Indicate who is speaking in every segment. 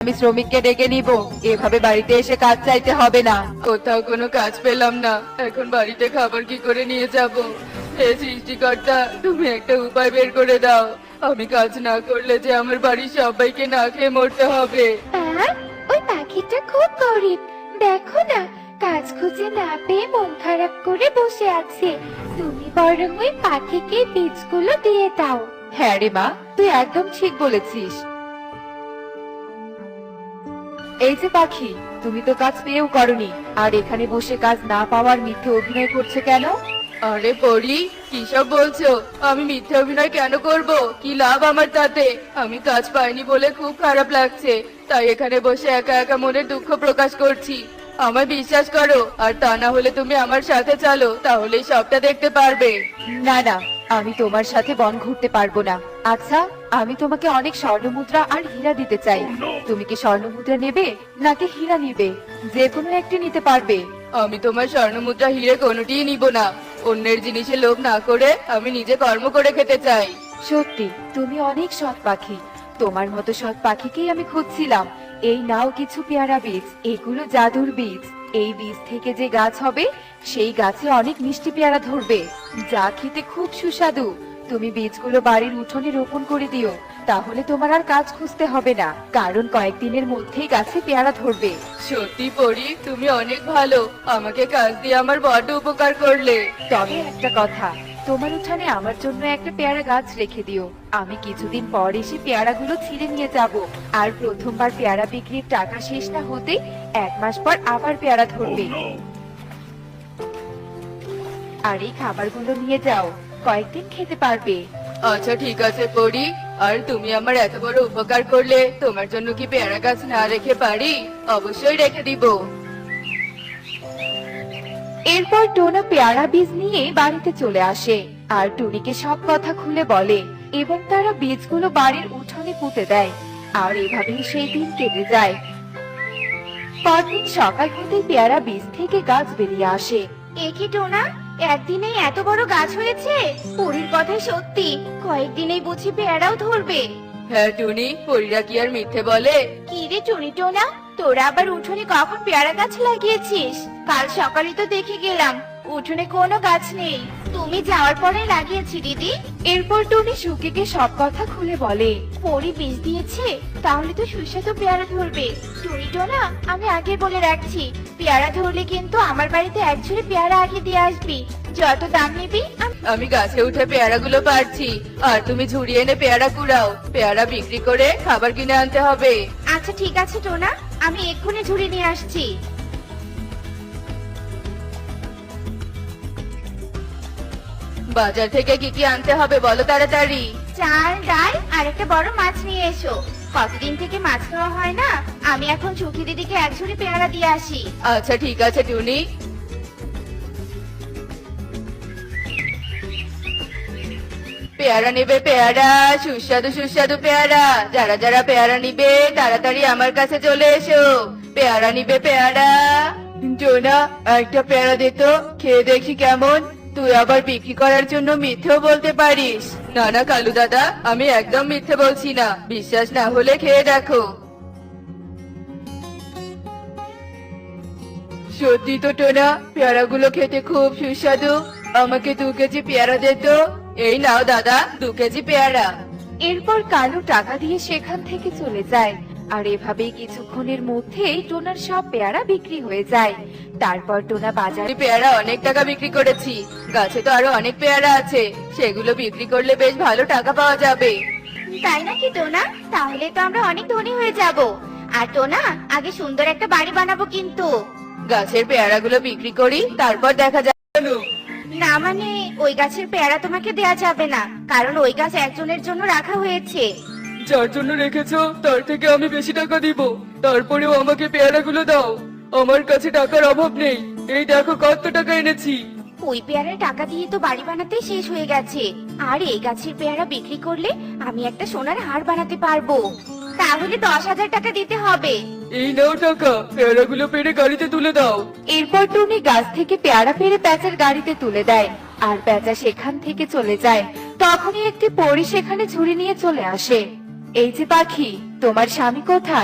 Speaker 1: আমি শ্রমিককে ডেকে নিব। এভাবে বাড়িতে এসে কাজ চাইতে হবে না। কোথাও কোনো কাজ পেলাম না, এখন বাড়িতে খাবার কি করে নিয়ে যাব? হে সৃষ্টিকর্তা, তুমি একটা উপায় বের করে দাও। আমি কাজ না করলে যে আমার বাড়ির সবাইকে না খেয়ে মরতে হবে।
Speaker 2: ওই পাখিটা খুব গরিব, দেখো না, কাজ খুঁজে না পেয়ে মন খারাপ করে বসে আছে। তুমি বরং ওই পাখিকে বীজগুলো দিয়ে দাও।
Speaker 1: হ্যাঁ রে মা, তুই একদম ঠিক বলেছিস। এই যে পাখি, তুমি তো কাজ পেয়েও করনি, আর এখানে বসে কাজ না পাওয়ার মিথ্যে অভিনয় করছে কেন? আরে পরি, কি সব বলছো? আমি মিথ্যে অভিনয় কেন করব? কি লাভ আমার তাতে? আমি কাজ পাইনি বলে খুব খারাপ লাগছে, তাই এখানে বসে একা একা মনের দুঃখ প্রকাশ করছি। আমায় বিশ্বাস করো, আর তা না হলে তুমি আমার সাথে চলো, তাহলেই সবটা দেখতে পারবে। না না, আমি তোমার সাথে বন ঘুরতে পারবো না। আচ্ছা, আমি তোমাকে অনেক স্বর্ণমুদ্রা আর হীরা দিতে চাই। তুমি কি স্বর্ণমুদ্রা নেবে নাকি হীরা নেবে? যে কোনো একটি নিতে পারবে। আমি তোমার স্বর্ণমুদ্রা হীরে কোনোটিই নিব না। অন্যের জিনিসে লোভ না করে আমি নিজে কর্ম করে খেতে চাই। সত্যি তুমি অনেক সৎ পাখি। তোমার মতো সৎ পাখিকেই আমি খুঁজছিলাম। এই নাও কিছু পেয়ারা বীজ, এগুলো জাদুর বীজ। এই বীজ থেকে যে গাছ হবে, সেই গাছে অনেক মিষ্টি পেয়ারা ধরবে, যা খেতে খুব সুস্বাদু। তুমি বীজগুলো বাড়ির উঠোনে রোপণ করে দিও, তাহলে তোমার আর কাজ খুঁজতে হবে না, কারণ কয়েকদিনের মধ্যেই গাছে পেয়ারা ধরবে। সত্যি পরি, তুমি অনেক ভালো। আমাকে কাজ দিয়ে আমার বড় উপকার করলে। তবে একটা কথা, তোমার উঠানে আমার জন্য একটা পেয়ারা গাছ রেখে দিও। আমি কিছুদিন পর এসে পেয়ারাগুলো ছিঁড়ে নিয়ে যাব, আর প্রথমবার পেয়ারা বিক্রির টাকা শেষ না হতে 1 মাস পর আবার পেয়ারা ধরবে। আর এই খাবারগুলো নিয়ে যাও, কয়েকদিন খেতে পারবে। আচ্ছা ঠিক আছে পরি, আর তুমি আমার এত বড় উপকার করলে তোমার জন্য কি পেয়ারা গাছ না রেখে পারি? অবশ্যই রেখে দিব। এরপর টোনা পেয়ারা বীজ নিয়ে বাড়িতে চলে আসে, আর টুনিকে সব কথা খুলে বলে, এবং তারা বীজগুলো বাড়ির উঠোনে পুঁতে দেয়। আর এভাবেই সেই দিন কেটে যায়। পরদিন সকাল হতে পেয়ারা বীজ থেকে গাছ বেরিয়ে আসে।
Speaker 2: এ কি টোনা, একদিনেই এত বড় গাছ হয়েছে? পরীর কথাই সত্যি, কয়েকদিনেই বুঝি পেয়ারাও ধরবে।
Speaker 1: হ্যাঁ টুনি, পরীরা কি আর মিথ্যে বলে?
Speaker 2: কি রে টুনি টোনা, তোরা আবার উঠোনে কখন পেয়ারা গাছ লাগিয়েছিস? কাল সকালে তো দেখে গেলাম উঠোনে কোনো গাছ নেই। তুমি যাওয়ার পরে লাগিয়েছি দিদি।
Speaker 1: এরপর টুনি সুকিকে সব কথা খুলে বলে।
Speaker 2: পরি বীজ দিয়েছে, তাহলে তো সুস্বাদু পেয়ারা ধরবে। টুনি টোনা, আমি আগে বলে রাখছি, পেয়ারা ধরলে কিন্তু আমার বাড়িতে এক ঝুড়ি পেয়ারা আগে দিয়ে আসবি। যত দাম নিবি
Speaker 1: আমি গাছে উঠে পেয়ারাগুলো পারছি, আর তুমি ঝুড়ি এনে পেয়ারা কুড়াও। পেয়ারা বিক্রি করে খাবার কিনে আনতে হবে।
Speaker 2: আচ্ছা ঠিক আছে টোনা, আমি এক্ষুনি ঝুড়ি নিয়ে আসছি।
Speaker 1: বাজার থেকে কি কি আনতে হবে বলো তাড়াতাড়ি।
Speaker 2: চাল, ডাল আর একটা বড় মাছ নিয়ে এসো। কতদিন থেকে মাছ খাওয়া হয় না, আমি এখন চুকি দিদিকে এক ঝুড়ি পেয়ারা দিয়ে আসি।
Speaker 1: আচ্ছা ঠিক আছে টুনি। পেয়ারা নেবে পেয়ারা, সুস্বাদু সুস্বাদু পেয়ারা। যারা যারা পেয়ারা নিবে তাড়াতাড়ি আমার কাছে চলে এসো। পেয়ারা নিবে পেয়ারা। টোনা, একটা পেয়ারা দে তো, খেয়ে দেখি কেমন। তুই আবার বিক্রি করার জন্য মিথ্যেও বলতে পারিস। না না কালু দাদা, আমি একদম মিথ্যে বলছি না। বিশ্বাস না হলে খেয়ে দেখো। সত্যি তো টোনা, পেয়ারাগুলো খেতে খুব সুস্বাদু। আমাকে 2 কেজি পেয়ারা দে তো। এই নাও দাদা, 2 কেজি পেয়ারা। এরপর কালু টাকা দিয়ে সেখান থেকে চলে যায়। আর এভাবেই কিছুক্ষণের মধ্যেই টোনার সব পেয়ারা বিক্রি হয়ে যায়। তারপর টোনা বাজারে পেয়ারা অনেক টাকা বিক্রি করেছি। গাছে তো আরো অনেক পেয়ারা আছে, সেগুলো বিক্রি করলে বেশ ভালো টাকা পাওয়া যাবে।
Speaker 2: তাই নাকি টোনা? তাহলে তো আমরা অনেক ধনী হয়ে যাব। আর টোনা, আগে সুন্দর একটা বাড়ি বানাবো কিন্তু।
Speaker 1: গাছের পেয়ারাগুলো বিক্রি করি, তারপর দেখা যাবে।
Speaker 2: না মানে, ওই গাছের পেয়ারা তোমাকে দেয়া যাবে না, কারণ ওই গাছ একজনের জন্য রাখা হয়েছে।
Speaker 1: যার জন্য রেখেছো তার থেকে আমি বেশি টাকা দিব, তারপরেও আমাকে পেয়ারাগুলো দাও। আমার কাছে টাকার অভাব নেই, এই দেখো কত টাকা এনেছি।
Speaker 2: ওই পেয়ারার টাকা দিয়ে তো বাড়ি বানাতে শেষ হয়ে গেছে, আর এই গাছের পেয়ারা বিক্রি করলে আমি একটা সোনার হার বানাতে পারবো। তাহলে 10,000 টাকা দিতে হবে।
Speaker 1: এই নাও টাকা, পেয়ারাগুলো পেড়ে গাড়িতে তুলে দাও। এরপর টুনি গাছ থেকে পেয়ারা পেড়ে প্যাঁচার গাড়িতে তুলে দেয়, আর প্যাঁচা সেখান থেকে চলে যায়। তখনই একটি পরী সেখানে ঝুড়ি নিয়ে চলে আসে। এই যে পাখি, তোমার স্বামী কোথায়?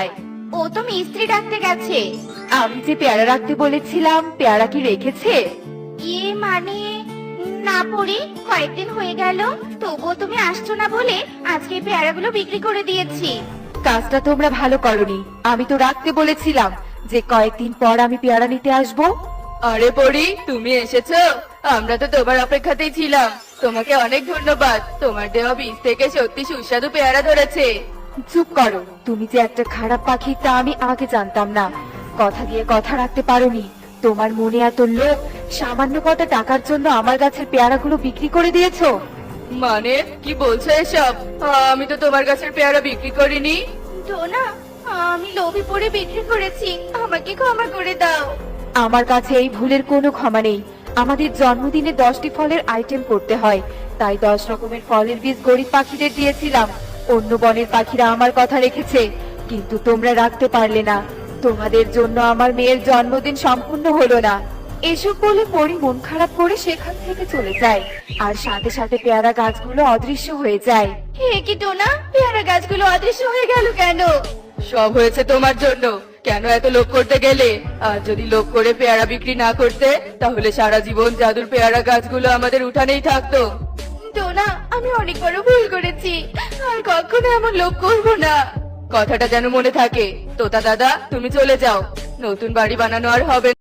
Speaker 2: ও তো মিস্ত্রি ডাকতে গেছে।
Speaker 1: আমি যে পেয়ারা রাখতে বলেছিলাম পেয়ারা কি রেখেছে?
Speaker 2: ইয়ে মানে না পড়ি, কয়েকদিন হয়ে গেল, তবুও তুমি আসছো না বলে আজকে এই পেয়ারাগুলো বিক্রি করে দিয়েছি।
Speaker 1: কাজটা তোমরা ভালো করনি। আমি তো রাখতে বলেছিলাম যে কয়েকদিন পর আমি পেয়ারা নিতে আসবো। আরে পরি, তুমি এসেছো? আমরা তো তোমার অপেক্ষাতেই ছিলাম। তোমাকে অনেক ধন্যবাদ, তোমার দেওয়া বীজ থেকে সত্যি সুস্বাদু পেয়ারা ধরেছে। চুপ করো, তুমি যে একটা খারাপ পাখি তা আমি আগে জানতাম না। কথা দিয়ে কথা রাখতে পারোনি। তোমার মনে এত লোভ, সামান্য কটা টাকার জন্য আমার গাছের পেয়ারাগুলো বিক্রি করে দিয়েছো। মানে কি বলছো এসব? আমি তো তোমার গাছের পেয়ারা বিক্রি করিনি।
Speaker 2: টোনা, আমি লোভে পড়ে বিক্রি করেছি, আমাকে ক্ষমা করে দাও।
Speaker 1: আমার কাছে এই ভুলের কোনো ক্ষমা নেই। আমাদের জন্মদিনে 10টি ফলের আইটেম করতে হয়, তাই 10 রকমের ফলের বীজ গরিব পাখিদের দিয়েছিলাম। অন্য বনের পাখিরা আমার কথা রেখেছে, কিন্তু তোমরা রাখতে পারলে না। তোমাদের জন্য আমার মেয়ের জন্মদিন সম্পূর্ণ হলো না। এসব বলে পরি মন খারাপ করে সেখান থেকে চলে যায়, আর সাথে সাথে পেয়ারা গাছগুলো অদৃশ্য হয়ে যায়।
Speaker 2: হে কি টোনা, পেয়ারা গাছগুলো অদৃশ্য হয়ে গেল কেন?
Speaker 1: সব হয়েছে তোমার জন্য। কেন এত লোভ করতে গেলে? আর যদি লোভ করে পেয়ারা বিক্রি না করতে, তাহলে সারা জীবন জাদুর পেয়ারা গাছগুলো আমাদের উঠানেই থাকতো।
Speaker 2: টোনা, আমি অনেক বড় ভুল করেছি, আর কখনো এমন লোভ করবো না।
Speaker 1: কথাটা যেন মনে থাকে। তোতা দাদা, তুমি চলে যাও, নতুন বাড়ি বানানো আর হবে